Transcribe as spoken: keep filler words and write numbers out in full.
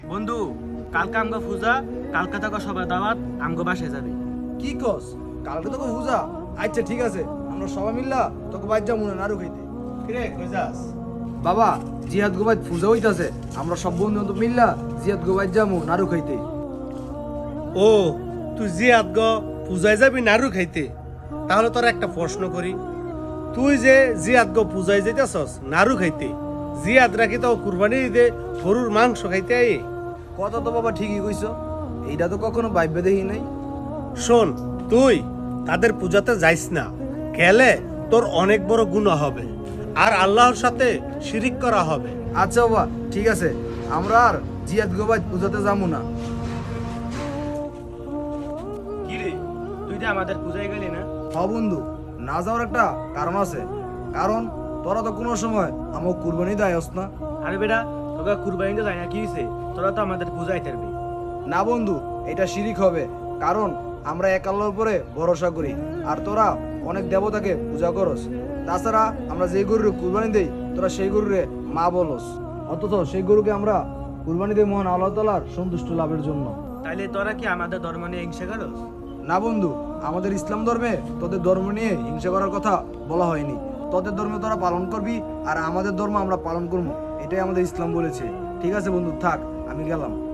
বন্ধু, কালকে আমগো পূজা, কালকে থাকা সবাই দাওয়াত আমগো বাসায় যাবে। কি কস? কালকে তোকে পূজা? আচ্ছা ঠিক আছে, আমরা সবাই মিল্লা তোকে বাইর যাবো না নাড়ু খাইতে। কিরে কই যাস? বাবা, জিহাদ গোবাইদ পূজা হইতাছে, আমরা সব বন্ধু বান্ধব মিল্লা জিহাদ গোবাইদ যাবো নাড়ু খাইতে। ও তুই জিয়াদ গ পূজায় যাবি নাড়ু খাইতে? তাহলে তোর একটা প্রশ্ন করি, তুই যে জিয়াদ গ পূজায় যাইতেছস নাড়ু খাইতে, জিয়াদ রাখি তো কুরবানি ঈদে গরুর মাংস খাইতে আই? কথা তো বাবা ঠিকই কইছো, এইটা তো কখনো ভাইবে দেখি নাই। শোন, তুই তাদের পূজাতে যাইস না, গেলে তোর অনেক বড় গুনাহ হবে আর আল্লাহর সাথে শিরিক করা হবে। আচ্ছা বাবা ঠিক আছে, আমরা আর জিহাদ গোবাইদ পূজাতে যাবো না। কি রে, তুই যে আমাদের পূজায় গেলি না? হ বন্ধু, না যাওয়ার একটা কারণ আছে, কারণ তোরা তো কোনো সময় আমার কুরবানি দেয়স না। আরে বেটা, তোকে কুরবানিতে যায় না কি হয়েছে? তোরা তো আমাদের পূজায় থাকবি। না বন্ধু, এটা শিরিক হবে, কারণ আমরা এক আল্লাহর উপরে ভরসা করি আর তোরা অনেক দেবতাকে পূজা করস। তাছাড়া আমরা যে গরুর কুরবানি দেই তোরা সেই গরুরে মা বলস, অথচ সেই গরুকে আমরা কুরবানি দেই মহান আল্লাহ তাআলার সন্তুষ্ট লাভের জন্য। তাইলে তোরা কি আমাদের ধর্ম নিয়ে হিংসা করস? না বন্ধু, আমাদের ইসলাম ধর্মে তোদের ধর্ম নিয়ে হিংসা করার কথা বলা হয়নি। তোদের ধর্ম তোরা পালন করবি আর আমাদের ধর্ম আমরা পালন করবো, এটাই আমাদের ইসলাম বলেছে। ঠিক আছে বন্ধু, থাক, আমি গেলাম।